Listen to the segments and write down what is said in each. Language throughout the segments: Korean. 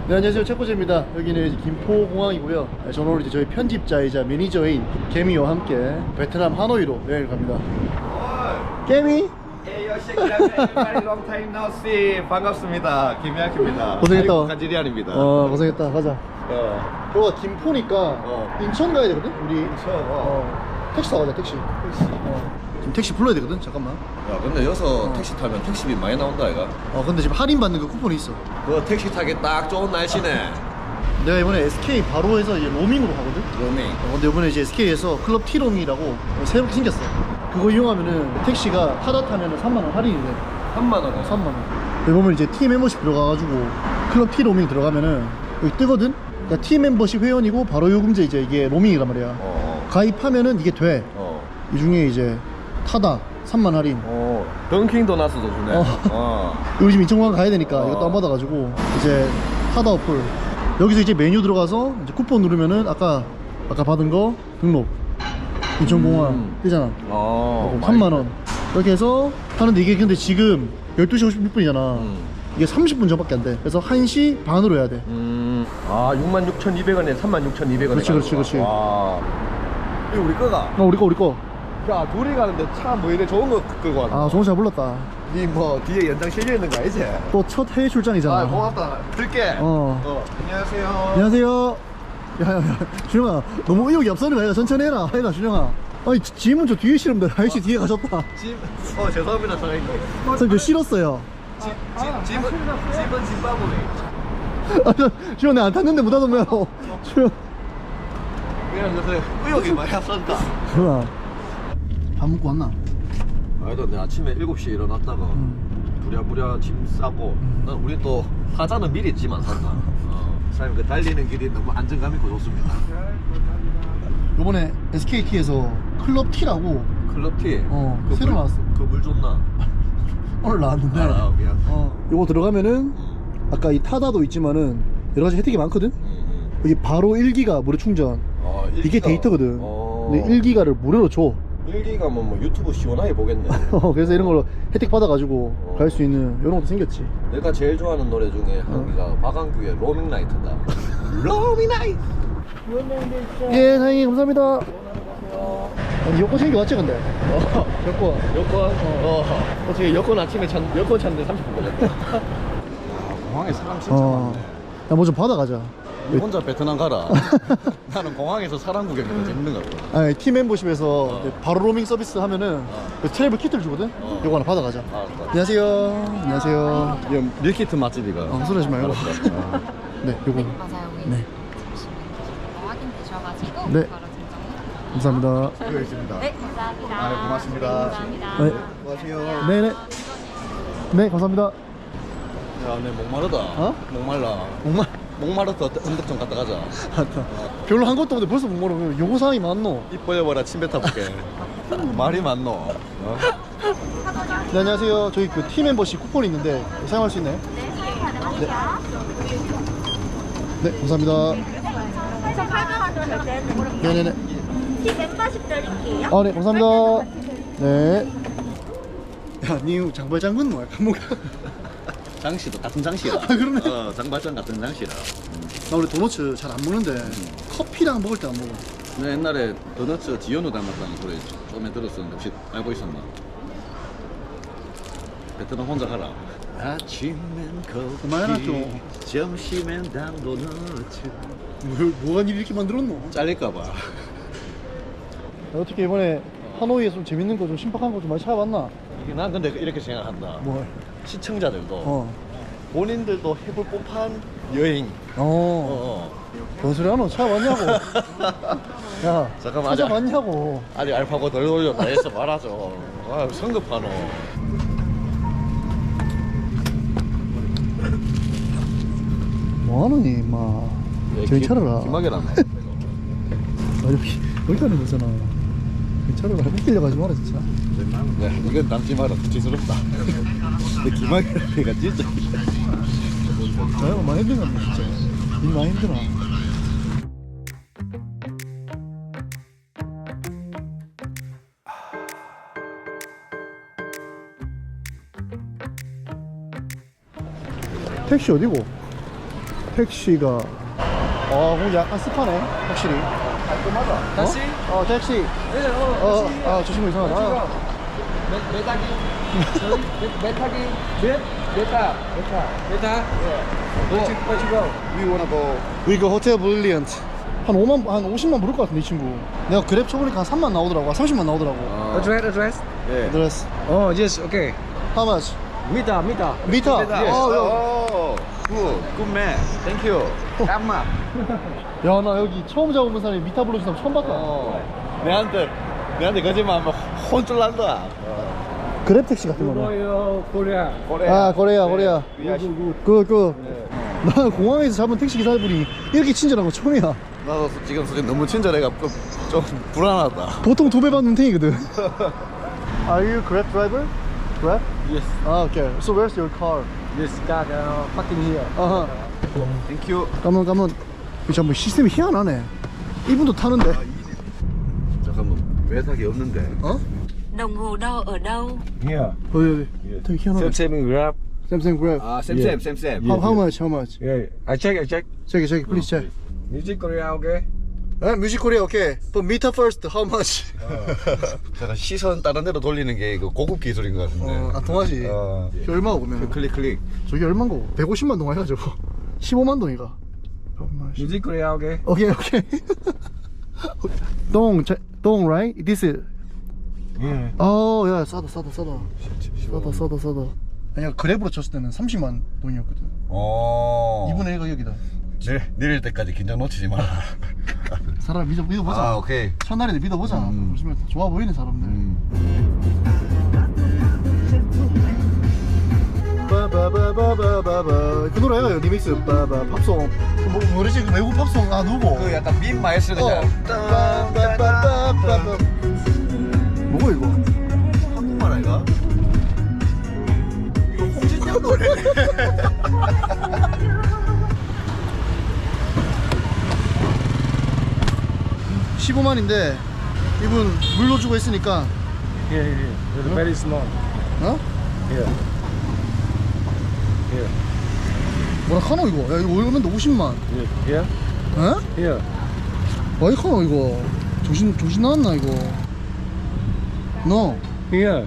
네, 안녕하세요. 책고재입니다. 여기는 이제 김포공항이고요. 네, 저는 오늘 이제 저희 편집자이자 매니저인 개미와 함께 베트남 하노이로 여행을 갑니다. 개미? long time no see. 반갑습니다. 김야키입니다. 고생했다. 간지리안입니다. 고생했다. 가자. 여기가 김포니까 인천 가야 되거든? 우리 택시 타고 가자. 택시. 지금 택시 불러야 되거든? 잠깐만. 야, 근데 여기서 택시 타면 택시비 많이 나온다, 이가. 근데 지금 할인 받는 그 쿠폰이 있어. 그 택시 타기 딱 좋은 날씨네. 내가 이번에 SK 바로 해서 이제 로밍으로 가거든? 로밍. 근데 이번에 이제 SK에서 클럽 T롱이라고 새롭게 생겼어. 그거 이용하면은 택시가 타다 타면은 3만원 할인이 돼. 3만원. 3만원. 여기 보면 이제 T 멤버십 들어가가지고 클럽 T 로밍 들어가면은 여기 뜨거든? 그러니까 T 멤버십 회원이고 바로 요금제 이제 이게 로밍이란 말이야. 가입하면은 이게 돼. 이 중에 이제 타다 3만 할인. 던킹 도나스도 주네. 우리 지금 인천공항 가야 되니까 이거 다운받아가지고 이제 타다 어플 여기서 이제 메뉴 들어가서 이제 쿠폰 누르면은 아까 받은 거 등록 인천공항 뜨잖아. 3만원 이렇게 해서 하는데 이게 근데 지금 12시 56분이잖아 이게 30분 전밖에 안 돼. 그래서 1시 반으로 해야 돼. 66,200원에 36,200원에. 그렇지. 와. 이거 우리 거가? 우리 거. 야, 둘이 가는데 차 뭐 이래 좋은 거 끌고 왔나? 좋은 차 불렀다. 니 뭐 뒤에 연장 실려 있는 거 알지? 또 첫 해외 출장이잖아. 고맙다. 들게. 안녕하세요. 안녕하세요. 야, 준영아, 너무 의욕이 앞서는 거 아니야? 천천히 해라. 해라, 준영아. 아니, 짐은 저 뒤에 실으면 돼. 아저씨 뒤에 가셨다. 죄송합니다, 사장님. 선생님, 저 실었어요. 짐은 짐바브웨. 준영, 내가 안 탔는데 못 탔으면. 준영. 그냥 요새 의욕이 많이 앞선다. 준영아, 밥 먹고 왔나? 아이도 내 아침에 7시에 일어났다가 부랴부랴 짐 싸고 난 우리 또 사자는 미리 짐 안 산다. 사장님 그 달리는 길이 너무 안정감 있고 좋습니다. 요번에 SKT에서 클럽 T라고 클럽 티. 새로 나왔어. 그 물 좋나? 오늘 나왔는데 미안. 요거 들어가면은 아까 이 타다도 있지만은 여러 가지 혜택이 많거든? 여기 바로 1기가 무료 충전. 이게 데이터거든. 근데 1기가를 무료로 줘. 1기가 뭐 유튜브 시원하게 보겠네. 그래서 이런 걸로 혜택 받아가지고 갈 수 있는 이런 것도 생겼지. 내가 제일 좋아하는 노래 중에 한 개가 박완규의 로밍 나이트다. 로밍 나이트. 예, 사장님 감사합니다. 아니, 여권 챙겨 왔지 근데? 여권. 어떻게 여권 아침에 여권 찾는데 30분 걸렸다. 공항에 사람 진짜 많네. 야, 뭐 좀 받아가자. 니 혼자 베트남 가라. 나는 공항에서 사람 구경이 더 재밌는 거 같아. 아니, 팀 멤버십에서 이제 바로 로밍 서비스 하면은 그 트래블 키트를 주거든? 요거 하나 받아가자. 안녕하세요. 이거 밀키트 맛집이가. 헛소리하지 말고. 네, 요거. 맞아요. 네. 확인되셔가지고 네. 바로 증정해. 감사합니다. 여기 있습니다. 네, 감사합니다. 네, 고맙습니다. 감사합니다. 네. 안녕하세요. 네네. 네, 감사합니다. 야, 내 목마르다. 목말라. 목마르다. 언덕 좀 갔다 가자. 별로 한 것도 없는데 벌써 못 모르면 요구사항이 많노? 입 벌려봐라. 침 뱉어볼게. 말이 많노. 네, 안녕하세요. 저희 그 팀 멤버십 쿠폰이 있는데 사용할 수 있나요? 네, 사용 가능하세요. 네, 감사합니다. 그래서 800원 정도 되는 네네네. 팀 멤버십 드릴게요. 네, 감사합니다. 네. 야, 니 장발장군 뭐야? 감옥. 장씨도 같은 장씨라. 그러네. 장발장 같은 장씨라. 나 원래 도너츠 잘 안 먹는데 커피랑 먹을 때 안 먹어. 내 옛날에 도너츠 지현우 닮았다는 소리 처음에 들었었는데 혹시 알고 있었나? 베트남 혼자 가라. 아침엔 커피, 그만해라 좀. 점심엔 단 도너츠. 뭐가 니 이렇게 만들었노? 잘릴까봐. 어떻게 이번에 하노이에 좀 재밌는 거 좀 신박한 거 좀 많이 찾아봤나? 이게 난 근데 이렇게 생각한다. 뭘? 시청자들도 본인들도 해볼 법한 여행. 뭔 소리 하노? 찾아봤냐고? 야, 잠깐만, 찾아봤냐고? 아니 알파고 덜 돌렸다 해서 말하죠. 성급하노. 뭐하노니 임마. 저기 차려라. 김학이라네. 여기 가는 거잖아. 차려라. 헷갈려 가지 마라 진짜. 네, 이건 남지 마라. 부치스럽다. 근데 김학이라니까 진짜. 나야 많이 힘들어 진짜. 일 많이 힘들어. 택시 어디고? 택시가 공기 약간 습하네 확실히. 깔끔하다. 다시? 택시. 네, 조심히 이상하다. 메타기. 메타기. 메타. Where you go? We wanna go. We go Hotel Brilliant. 한 50만 부를 것 같은데 이 친구. 내가 그랩 쳐보니까 한 3만 나오더라고. 30만 나오더라고. Address? 예. 드레스. Oh, yes, okay. How much? Mita. 미터. Yes. 야, Good man. Thank you. 깜마. 야, 나 여기 처음 잡아본 사람이 미터 불러준 사람 처음 봤다. 내한테 거짓말하면 혼쭐 난다. 그랩 택시 같은 거네. Korea. 코리아. 그. 나 공항에서 잡은 택시 기사분이 이렇게 친절한 거 처음이야. 나도 지금 솔직히 너무 친절해갖고 좀 불안하다. 보통 2배 받는 탱이거든. Are you Grab driver? Grab? Yes. Okay. So where's your car? This car parking here. Thank you. 가면. 잠깐만 시스템이 희한하네. 이분도 타는데. 잠깐만 외탁이 없는데. 어? Đồng hồ đo ở đâu? Here. 어디? 되게 희한하네. Same Grab. Samsung Grab. 아 쌤. How much? Yeah. I check. check, please check. Music Korea, okay? 뮤직 코리아 오케이. But meter first. How much? 제가 시선 다른 데로 돌리는 게 이거 고급 기술인 것 같은데. 동아지. 저기 얼마고 보면? 클릭. 저기 얼마인 거고? 150만 동아이가 저거. 15만 동이가. Music Korea, okay? 오케이. 동, right? This is. Yeah. 야, 싸다. 아니야, 그랩으로 쳤을 때는 30만 동이었거든. 2분의 1가 여기다. 내릴 때까지 긴장 놓치지 마라. 사람 믿어보자. 아 오케이. 첫날인데 믿어보자. 요즘에 좋아 보이는 사람들. 바바바바바바바 그 노래야 리믹스 바바 팝송 뭐 노래지 그 외국 팝송 누구? 그 약간 민 마이스터냐. 바바바바바바 뭐고 이거? 한국말 아이가? 이거 홍진영 노래. 15만인데 이분 물로 주고 했으니까 Here. It's very small. 어? Here. 뭐라 카노 이거? 야 이거 얼마인데 50만 Here. 어? Here. 어이 카노 이거 조신 나왔나 이거 너 Here.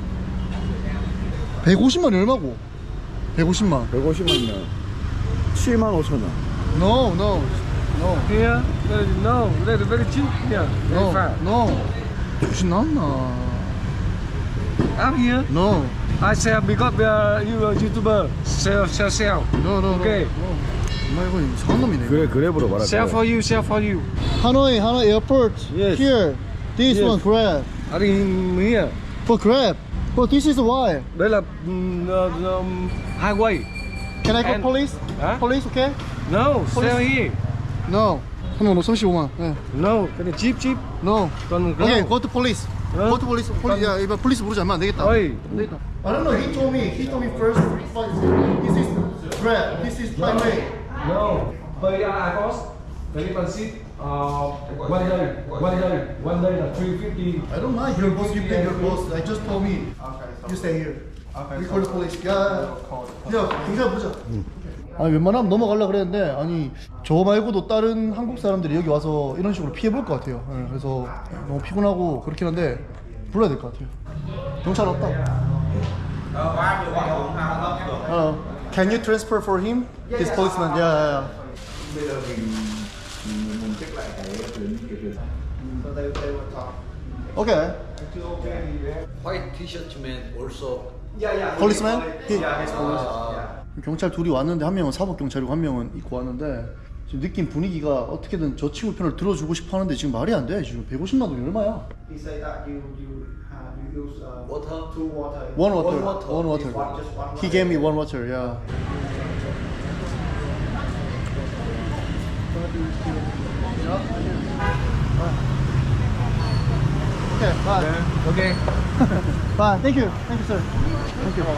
150만이 얼마고? 150만 150만이면 7만 5천 원. No Here. No. That's very cheap. Here. Very fast. 조신 나왔나 Up here. No I sell because you are YouTuber. Sell. No Okay. 엄마 이거 이상한 놈이네 그랩으로 말할 Sell for you. 하노이 airport Yes. here this Yes. one Grab Ở here. for Grab but this is why Đây là highway. can I call And- police? Hả? police okay? No, sell here. No 하노 너 35만 네. No, cái này cheap. No Còn okay go to police 어? go to police 야 이거 police 부르지 않으면 안 되겠다 Ôi, I don't know. He told me first. This is Grab. This is highway. no. Bây I cost very expensive. One day là 350. I don't mind. Your boss. You pay your boss. I just told me. You stay here. We call the police. 야, 경찰 보자. 아니 웬만하면 넘어가려 그랬는데 아니 저 말고도 다른 한국 사람들이 여기 와서 이런 식으로 피해 볼 것 같아요. 네, 그래서 너무 피곤하고 그렇긴 한데 불러야 될 것 같아요. 경찰 왔다. Can you transfer for him? This policeman. Yeah. Okay. White T-shirt man also. Policeman? 경찰 둘이 왔는데 한 명은 사법 경찰이고 한 명은 입고 왔는데 지금 느낀 분위기가 어떻게든 저 친구 편을 들어주고 싶어 하는데 지금 말이 안 돼. 지금 150만 원이 얼마야? He said that you use Water? two water. One water. Just one He gave me one water. Yeah. Okay, bye. Okay. Bye. Thank you, sir. Thank you.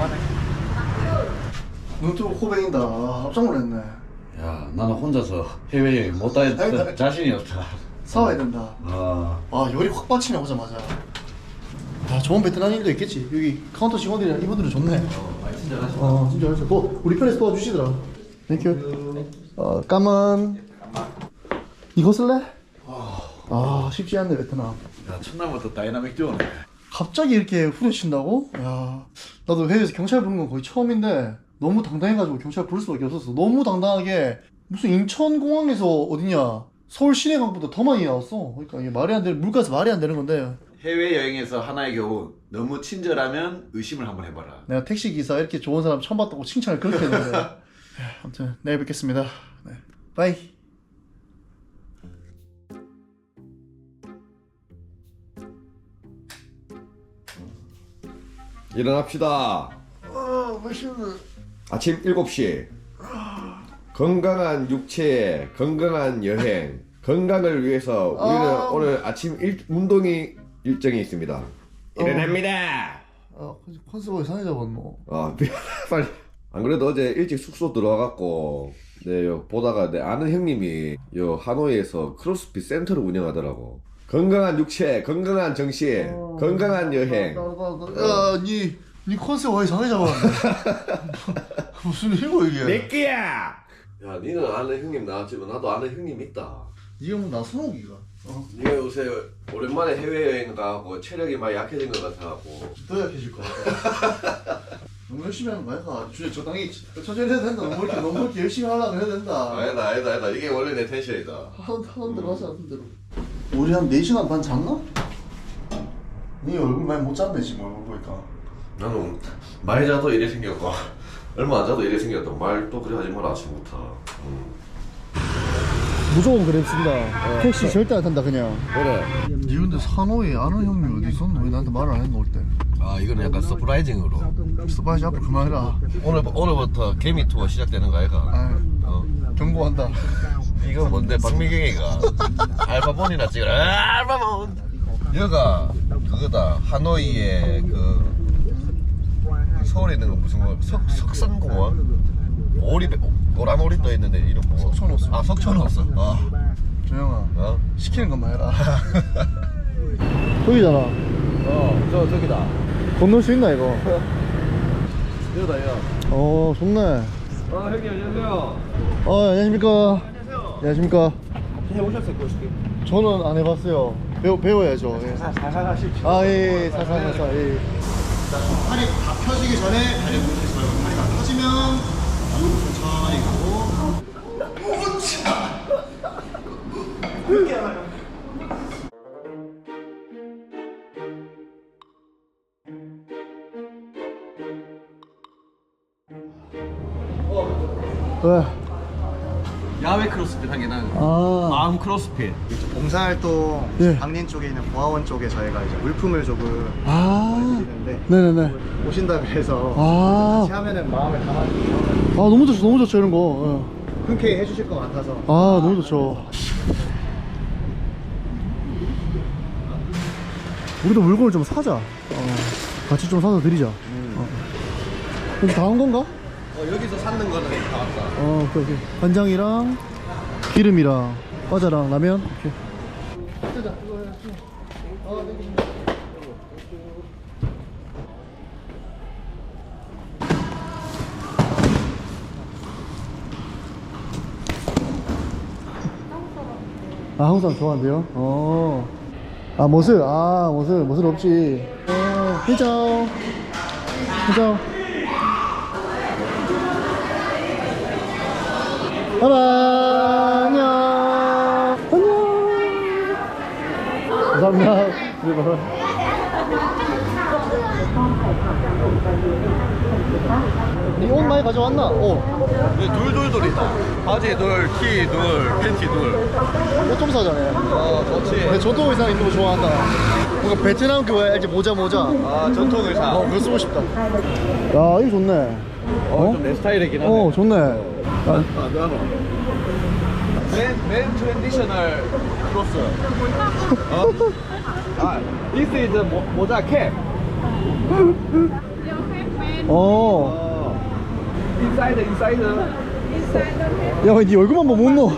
눈뜨고 코베인다. 깜짝 놀랐네. 야 나는 혼자서 해외여행 못 다닐 자신이 없다. 사와야 된다. 요리 확 빠치네 오자마자. 좋은 베트남인도 있겠지. 여기 카운터 직원들이랑 이분들은 좋네. 많이 친절하시다. 진짜 잘했어. 우리 편에서 도와주시더라. 땡큐. 까만. 이거 쓸래? 아 쉽지 않네 베트남. 야, 첫날부터 다이나믹 듀오네. 갑자기 이렇게 후려친다고? 야, 나도 해외에서 경찰 부르는 건 거의 처음인데 너무 당당해가지고 경찰 부를 수밖에 없었어. 너무 당당하게 무슨 인천공항에서 어디냐 서울 시내강보다 더 많이 나왔어. 그러니까 이게 말이 안 되는 물가에서 말이 안 되는 건데 해외여행에서 하나의 교훈. 너무 친절하면 의심을 한번 해봐라. 내가 택시기사 이렇게 좋은 사람 처음 봤다고 칭찬을 그렇게 했는데 아무튼 내일 뵙겠습니다. 네. 바이. 일어납시다. 맛있네. 아침 7시. 건강한 육체에 건강한 여행. 건강을 위해서 우리는 오늘 아침 운동이 일정이 있습니다. 일어납니다. 컨셉을 상해잡았노. 빨리. 안 그래도 어제 일찍 숙소 들어와갖고 네, 보다가 내 아는 형님이 요 하노이에서 크로스핏 센터를 운영하더라고. 건강한 육체, 건강한 정신, 건강한 여행. 야, 니 컨셉 왜 상해잡았네? 무슨 일이고 이게? 내 끼야. 야, 니는 아는 형님 나왔지만 나도 아는 형님 있다. 니가 뭐 나선호기가? 니가 요새 오랜만에 해외여행 가고 체력이 많이 약해진 것 같아갖고 더 약해질 것 같아. 너무 열심히 하는 거 아니야? 주에 적당히 천천히 해도 된다. 너무 그렇게 열심히 하려고 해도 된다. 아니다. 이게 원래 내 텐션이다. 하던 대로 하자, 하던 대로. 우리 한 4시간 반 잤나? 니 얼굴 많이 못 잤네 지금 얼굴 보니까. 나는 많이 자도 이래 생겼고 얼마 안 자도 이래 생겼다. 말도 그래 하지 마라 아침부터. 무조건 그랩 쓴다. 택시 절대 안 탄다 그냥. 그래. 니 근데 산호에 아는 형님 어디 있었노? 왜 나한테 말을 안 했노 올 때? 아 이거는 약간 서프라이징으로. 스파이시 앞으로 그만해라. 오늘부터 개미 투어 시작되는 거 아이가? 아, 경고한다. 이거 뭔데 박미경이가 알바본이나 찍어라. 알바본. 여가 그거다. 하노이에 그 서울에 있는 거 무슨 거 석산공원? 오리 노란 오리 떠 있는데 이름 뭐? 석촌호수. 아 석촌호수. 조영아. 시키는 것만 해라. 저기잖아. 저기다. 건널 수 있나 이거? 여기다 좋네. 형님 안녕하세요. 안녕하십니까. 안녕하십니까. 해오셨어요 고스키? 저는 안 해봤어요. 배워야죠. 예. 살살 하십시오. 예, 살살. 예. 자, 팔이 다 펴지기 전에 다리 뭉치지 말고 팔이 다 펴지면 무릎 천천히 가고. 오차. 왜? 야외 크로스핏 하기는 마음 크로스핏. 봉사활동 예. 강림 쪽에 있는 보아원 쪽에 저희가 이제 물품을 조금 드리는데 네네네. 오신다 그래서 같이 하면은 마음을 담아주시면 너무 좋죠 이런 거. 흔쾌히 해주실 것 같아서 너무 좋죠. 우리도 물건을 좀 사자. 같이 좀 사서 드리자. 이제 다 한 건가? 여기서 샀는 거는 다 왔다. 오케이. 간장이랑 기름이랑 과자랑 라면. 오케이. 한국 사람 좋아한대요? 모슬 없지. 회장. 바이바이. 안녕. 감사합니다. 니 옷 많이 가져왔나? 둘이다. 바지 둘, 티 둘, 팬티 둘. 옷 좀 사자네. 좋지. 내 전통 의상 입는 거 좋아한다. 뭔가 베트남 그거 알지? 모자. 전통 의상. 그거 쓰고 싶다. 야, 이거 좋네. 좀 내 스타일이긴 하네. 좋네. 맨 트랜디셔널 크로스. This is 모자 캡. 인사이드. 야, 왜 니 얼굴만 뭐 못 넣어?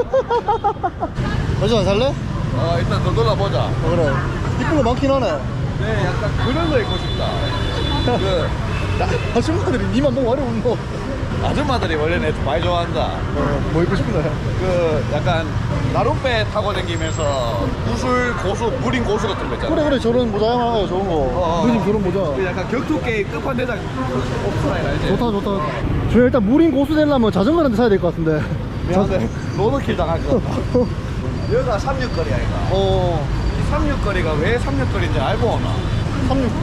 여자 안 살래? 일단 더 놀라보자. 그래. 이쁜 거 많긴 하네. 네, 약간 그런 거 입고 싶다. 아줌마들이 니만 보고 말이 못 넣어. 아줌마들이 원래는 좀 많이 좋아한다. 뭐 입고 싶은 거야? 그 약간 나룻배 타고 다니면서 무술 고수, 무림 고수 같은 거 있잖아. 그래 저런 모자 하나 좋은 거. 누님 저런 모자. 그 약간 격투 게임 끝판대장 옵스라인 알지? 좋다. 저 일단 무린 고수 되려면 자전거 한 대 사야 될 것 같은데. 미안한데 로드킬 당할 것 같다. 여기가 36거리야 이거. 이 36거리가 왜 36거리인지 알고 오나? 369.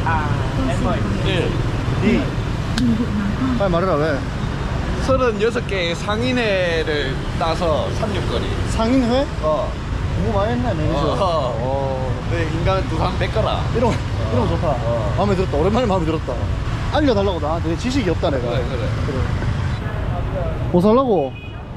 1, 2. 빨리 말해라 왜? 36개의 상인회를 따서 36거리. 상인회? 공부 많이 했네 매니저. 내 인간 두산 뺏거라. 이런 거 좋다. 마음에 들었다. 오랜만에 마음에 들었다. 알려달라고 나한테 지식이 없다 내가. 그래. 뭐 살라고?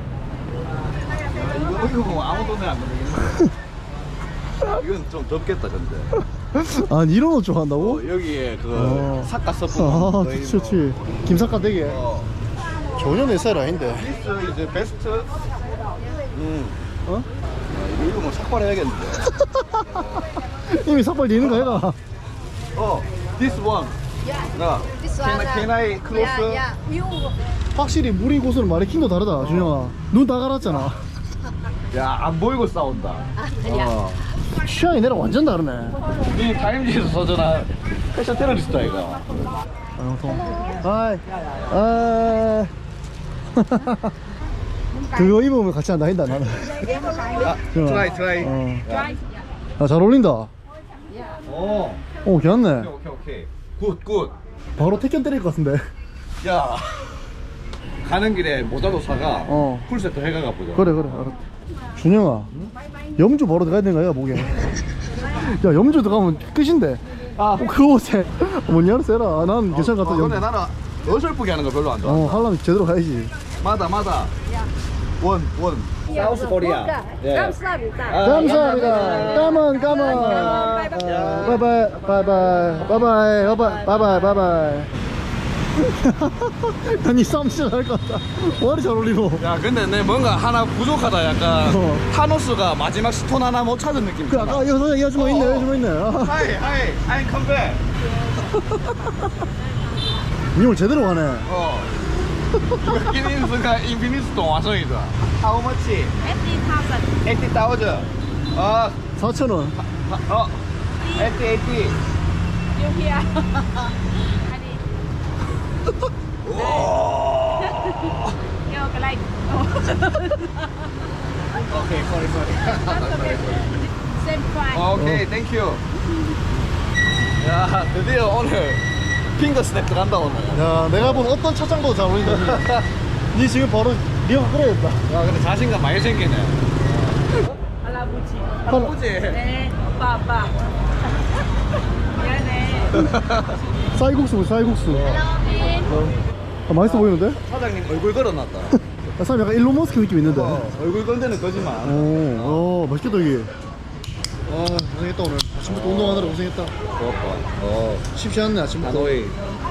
이거 뭐 아무 돈에 안 되겠네. 이건 좀 덥겠다 근데. 아니 이런 옷 좋아한다고? 여기에 그 사카 서프. 아 좋지. 김사과 되게. 어. 전혀 내 스타일 아닌데. This is the best. 어? 이거 뭐 삭발해야겠는데. 이미 삭발 되는 거 해가. This one. 나. This one. Can I close? Yeah. You. 확실히 무리 고수는 마네킹도 다르다 준영아. 눈 다 갈았잖아. 야, 안 보이고 싸운다. 취향이 내랑 완전 다르네. 이 타임지에서 서전한 패션 테러리스트 아이가. 하이. 그거 입으면 같이 안 다닌다 나는. 트라이. 잘 어울린다. 오. 괜찮네. 오케이. 굿. 바로 택견 때릴 것 같은데. 야. 가는 길에 모자도 사가. 풀세트 해가가 보자. 그래 알았다. 준영아, 염주 바로 들어가야 되는 거야 목에. 야 염주 들어가면 끝인데. 그 옷에 뭔 세라. 난 괜찮은 것 같아. 근데 나는 어설프게 하는 거 별로 안 좋아. 하려면 제대로 가야지. 마다. 원. 사우스 코리아. 감사합니다. 감사합니다. 까만. 바이바이. 아니 싸움 진짜 잘할 것 같다. 머리 잘 어울리고. 야, 근데 내 뭔가 하나 부족하다. 약간 타노스가 마지막 스톤 하나 못 찾은 느낌. 그 아까 이 아줌마 있네. 하이, I'm come back. 니 오늘 제대로 가네. 인피니스동 완성이다. How much? 80,000. 80,000. 4,000원. 80. You here. Yo, cái này. Okay, sorry. Same price. 오케이, 땡큐. 야, 드디어 오늘 핑거 스냅 들어간다 오늘. 야 내가 본 어떤 차장보다 잘 어울린다. 니 지금 바로 리허 끓여야겠다. 야, 근데 자신감 많이 생기네. 할아버지. 할아버지. 네, 오빠. 미안해. 쌀국수. 맛있어 보이는데? 사장님 얼굴 걸어놨다. 사람 약간 일론 머스크 느낌 있는데. 얼굴 건 데는 거짓말. 맛있겠다 이게. 고생했다 오늘. 아침부터 운동하느라 고생했다. 좋았다. 쉽지 않네 아침부터. 하노이.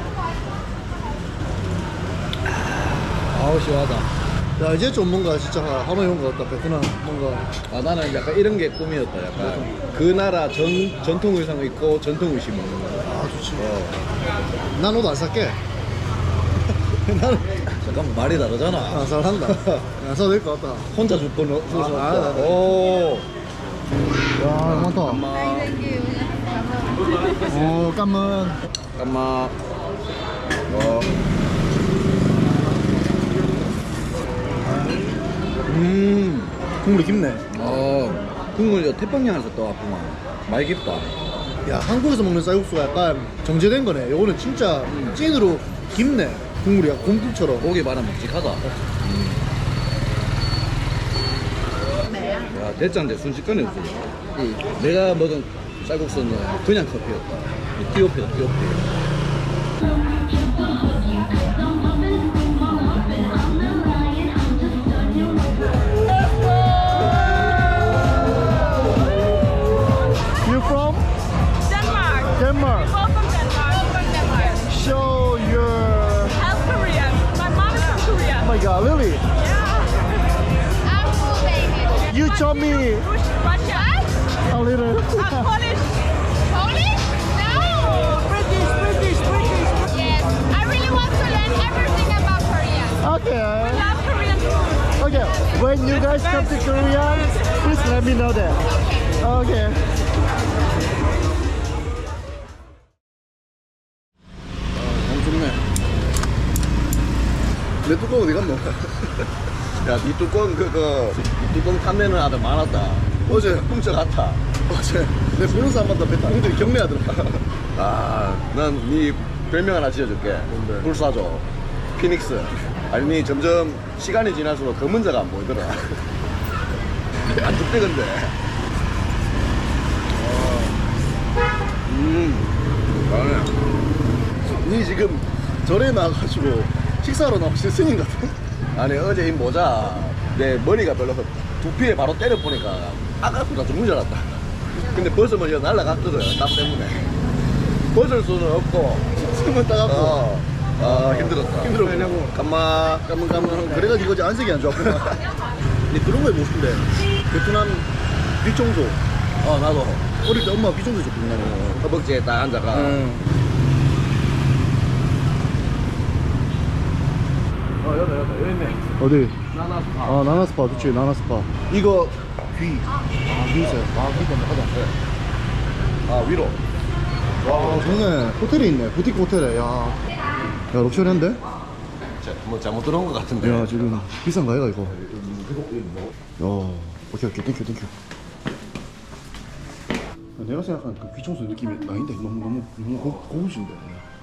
아우 시원하다. 야 이제 좀 뭔가 진짜 하노이 온 것 같다. 베트남 뭔가. 나는 약간 이런 게 꿈이었다. 약간 그 나라 전통 의상을 입고 전통 의식 먹는 거. 좋지. 난 옷 안 살게. 나는 잠깐만 말이 다르잖아. 잘한다. 안 사도 될 것 같다. 혼자 죽고 아, 오. 야 많다. Thank you. 깜문. 잠깐만. 국물이 깊네. 국물 태평양에서 떠왔구만. 많이 깊다. 야 한국에서 먹는 쌀국수가 약간 정제된 거네. 요거는 진짜 찐으로 깊네. 국물이 약간 곰국처럼. 고기 많아 묵직하다. 야, 대짜인데 순식간에 없어. 내가 먹은 쌀국수는 그냥 커피였다. 띠오피다, 띠오피. You from? Denmark. Denmark. Both from Denmark. From Denmark. Show your. I'm Korean. My mom is from Korea. Oh my God, Lily. Yeah. I'm full baby. You taught me Russia. a little. I'm Polish. Polish? No. British. Yes. I really want to learn everything about Korea. Okay. Love Korean food. Okay. When you guys come to Korea, please let me know that. Okay. 좋네. 내 뚜껑 어디 갔노? 야, 니 뚜껑 이 뚜껑 탐내는 아들 많았다. 어제 훔쳐갔다. 어제 내 보는 사람마다 배짱들이 경례하더라. 아, 난 니 별명 하나 지어줄게. 뭔데? 불사조, 피닉스. 아니, 니 점점 시간이 지날수록 검은 자가 안 보이더라. 안 죽대 근데. 잘해. 니 지금 절에 나가가지고 식사하러 나오신 스님 같아? 아니 어제 이 모자 내 머리가 별로 두피에 바로 때려 보니까 아까보다 죽는 줄 알았다. 근데 벗으면 이거 날라갔거든 땀 때문에. 벗을 수는 없고 숨은 따갑고 아 힘들었다. 힘들었고 까만 그래가지고 어제 안색이 안 좋았구나. 근데 그런 거 해보고 싶은데 베트남 귀청소. 나도 어릴 때 엄마가 귀청소 해줬거든 나는. 허벅지에 딱 앉아가 여기 있네. 어디? 나나스파. 아 나나스파 그치 나나스파. 이거 귀. 귀세. 귀 때문에 하자. 위로. 와 좋네. 호텔에 있네. 부티크 호텔에. 야 럭셔리한데? 뭐 잘못 들어온 것 같은데. 야 지금 비싼가 얘가 이거. 야 오케이 땡큐. 내가 생각한 그 귀청소 느낌이 아닌데 너무 고급진데.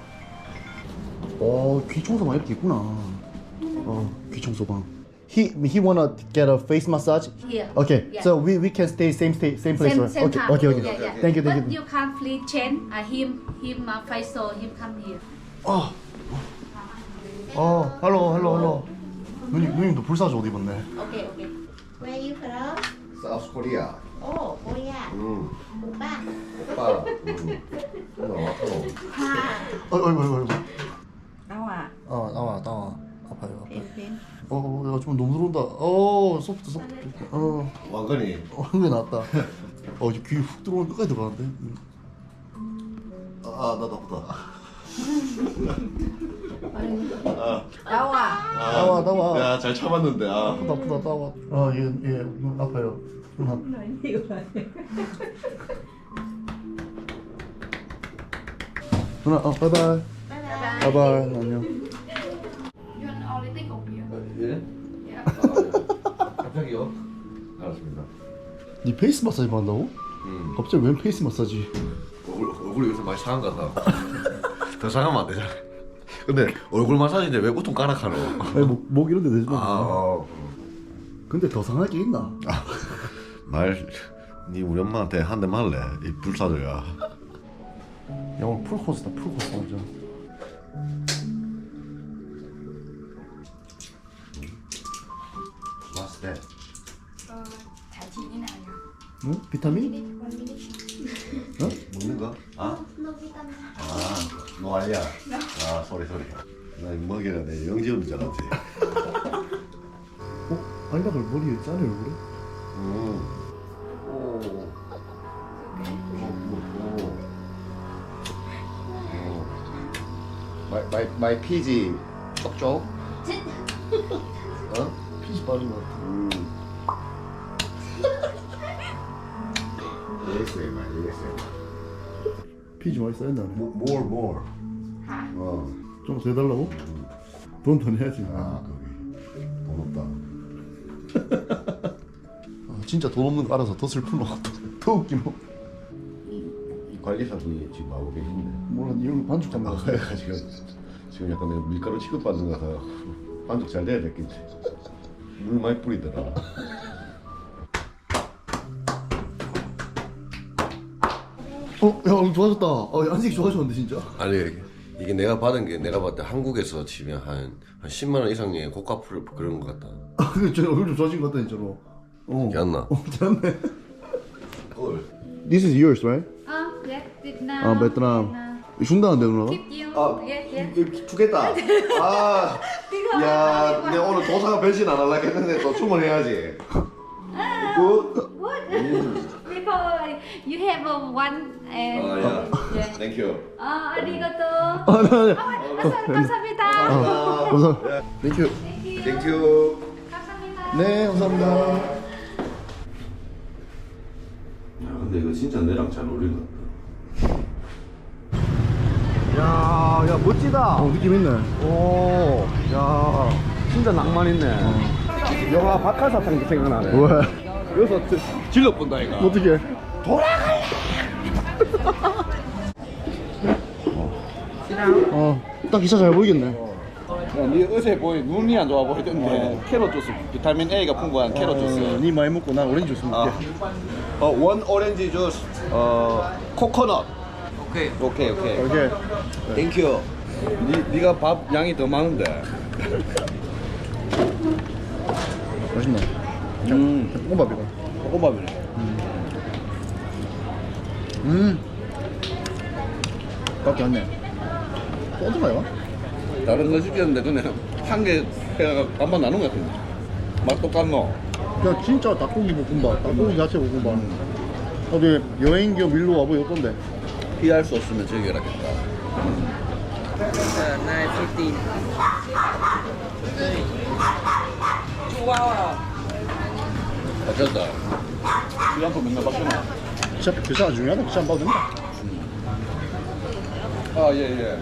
귀청소방 이렇게 있구나. 귀청소방. He wanna get a face massage. Here. Okay, Yeah. so we can stay same place, Same right? time. Okay. Yeah, yeah. Thank you. But you can't please change him facial him come here. hello. 누님도 불사조 옷 입었네. Okay. Where you from? 사우스 코리아. Oh, Korea. 오빠. 오빠. 아이고. 나와. 나와. 아파요. 펜. 야, 좀 너무 들어온다. 소프트. 왕건이. 흥이 나왔다. 이제 귀 훅 들어오면 끝까지 들어가는데. 나도 아프다. 나와. 야, 잘 참았는데. 아프다. 나와. 얘 아파요. 누나, 바이바이. 안녕. You want only take of here. 예? 갑자기요? 알았습니다. 네 페이스 마사지 받는다고? 갑자기 웬 페이스 마사지? 얼굴이 요새 많이 상한 것 같아. 더 상하면 안 되잖아. 근데 얼굴 마사지인데 왜 보통 까락하노? 아니 목 이런 데 되지 마. 근데 더 상할 게 있나? 니 우리 엄마한테 한 대 말래. 이 불사조야. 야 오늘 풀코스다 완전. What's that? Thả chị như nào nhỉ? 응? 비타민? 먹는 거? 너 아니야? 소리. 나 이거 먹이라 내 영지 없는 줄 알았지. 아니다 널 머리에 짜네 얼굴에? 마이 피지 쪽? 피지 빠진 것 같아. 피지 많이 쌓였나? More. 좀 더 해달라고? 돈 더 내야지. 거기 돈 없다. 진짜 돈 없는 거 알아서 더 슬프노. 더 웃기노. 이 관리사분이 지금 하고 계신데. 몰라 이런 거 반죽 잡는 거. 지금 약간 내가 밀가루 취급받는 거 같아. 반죽 잘 돼야 됐겠지. 물 많이 뿌리더라. 야 오늘 좋아졌다. 야, 안색이 좋아졌는데 진짜. 아니 이게 내가 받은 게 내가 봤을 때 한국에서 치면 한 10만 원 이상의 고가 풀 그런 것 같다. 근데 저 얼굴 좀 좋아진 것 같다 진짜로. 괜찮나? 괜찮네. 헐. This is yours, right? Yes, Vietnam. 베트남. 준다는데 누나? Keep you. Yes. 주겠다. 야, 내가 오늘 도사가 변신 안 하려고 했는데 또 주문해야지. 굿. Because you have one and yeah. 땡큐. Arigato. 아니. 감사합니다. 감사합니다. Thank you. 땡큐. 네, 감사합니다. 야, 근데 이거 진짜 내랑 잘 어울린다. 야 멋지다. 느낌 있네. 오, 야 진짜 낭만 있네. 영화 박하사탕도 생각나네. 왜? 여기서 질러 본다 이거. 어떻게? 딱 기차 잘 보이겠네. 네 어제 보니 눈이 안 좋아 보이던데 캐럿 주스 비타민 A가 풍부한 캐럿 주스. 니 많이 먹고 난 오렌지 주스 먹게. 원 오렌지 주스, 코코넛. 오케이. 오케이. 이렇게. 땡큐. 네가 밥 양이 더 많은데. 맛있네. 볶음밥이다. 볶음밥이네. 밖에 안 내. 또 어디가요? 다른 거 시켰는데 그냥 한 개 해가 반반 나눈 것 같은데. 맛 똑같노? 그냥 진짜 닭고기 볶음밥, 닭고기 야채 볶음밥. 어디 여행 겸 일로 와보기 어떤데? 피할 수 없으면 즐겨라겠다. 9:15. 어쨌다. 시간표 맨날 바뀌나? 기차 중요하다. 기차 안 봐도 된다. 아 예.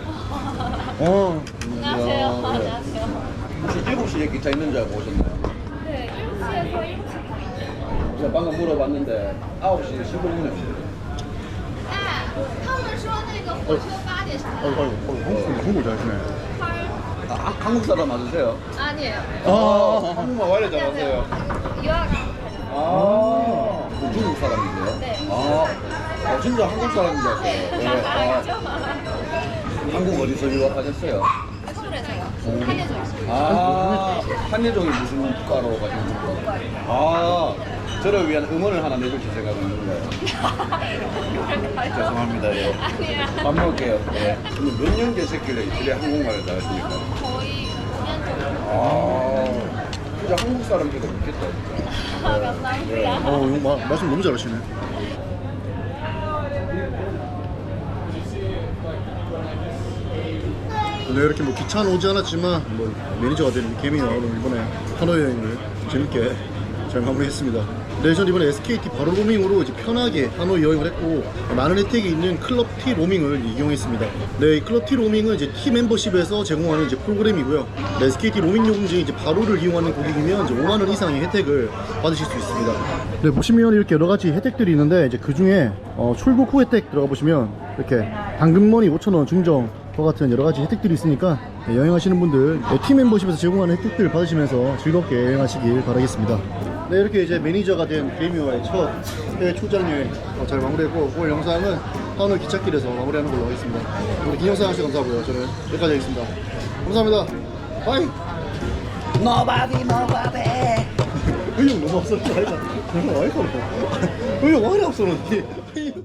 안녕하세요. 안녕하세요. 혹시 7시에 기차 있는 줄 알고 오셨나요? 네, 7시에서 7시. 제가 방금 물어봤는데 9시 15분에 오셨어요. 他们说那个火车8点上。 한국 잘하시네. 한국 사람 맞으세요? 아니에요. 한국말 완전 잘하세요. 유학. 중국 사람이세요? 네. 진짜 한국 사람인 줄 알았어요. 네. 알죠. 한국 어디서 유학하셨어요? 서울에서요. 한예종. 한예종이 무슨 국가로 가시는 저를 위한 응원을 하나 내주실 생각은 있는데. 죄송합니다. 예. 아니에요. 밥 먹을게요. 예. 몇 년 계셨길래 이래 한국말을 잘하십니까? 거의 5년 정도. 진짜 한국 사람들도 믿겠다. 진짜. 감사합니다. 이거 말씀 너무 잘하시네. 네, 이렇게 뭐 기차는 오지 않았지만 뭐 매니저가 된 개미가 오늘 이번에 하노이 여행을 재밌게 잘 마무리했습니다. 네, 전 이번에 SKT 바로 로밍으로 이제 편하게 하노이 여행을 했고 많은 혜택이 있는 클럽 T 로밍을 이용했습니다. 네, 이 클럽 T 로밍은 이제 T 멤버십에서 제공하는 이제 프로그램이고요. 네, SKT 로밍 요금제 이제 바로를 이용하는 고객이면 이제 5만 원 이상의 혜택을 받으실 수 있습니다. 네, 보시면 이렇게 여러 가지 혜택들이 있는데 이제 그 중에 출국 후 혜택 들어가 보시면 이렇게 당근머니 5,000원 증정 과 같은 여러 가지 혜택들이 있으니까 여행하시는 분들 T 멤버십에서 제공하는 혜택들을 받으시면서 즐겁게 여행하시길 바라겠습니다. 네, 이렇게 이제 매니저가 된 개미와의 첫 해외 출장 여행 잘 마무리했고 오늘 영상은 하노이 기찻길에서 마무리하는 걸로 하겠습니다. 우리 긴 영상 하셔서 감사하고요. 저는 여기까지 하겠습니다. 감사합니다. 바이. 의욕 너무 없었지 아이가. 정말 와이프 의욕 와이프 없었는데.